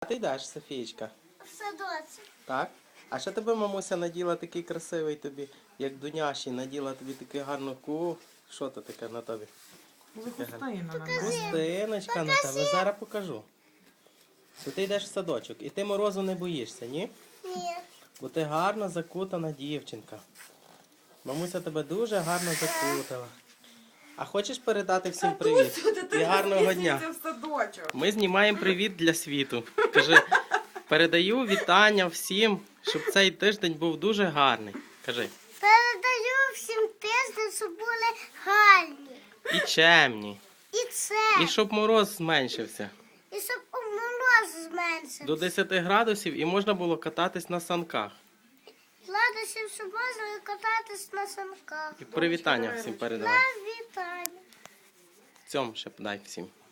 А ти йдеш, Софієчка? В садочок. Так? А що тебе мамуся наділа такий красивий тобі, як Дуняші, наділа тобі таку гарну Що то таке на тобі? Хустиночка на тебе. Зараз покажу. То ти йдеш в садочок і ти морозу не боїшся, ні? Ні. Бо ти гарно закутана дівчинка. Мамуся тебе дуже гарно закутала. А хочеш передати всім привіт? І гарного дня. Ми знімаємо привіт для світу. Кажи, передаю вітання всім, щоб цей тиждень був дуже гарний. Кажи. Передаю всім тиждень, щоб були гарні. І чемні. І це. І щоб мороз зменшився. І щоб мороз зменшився. До 10 градусів і можна було кататись на санках. Гладусів, щоб можна кататись на санках. І привітання всім передавай. Вітання. Цьому ще дай всім.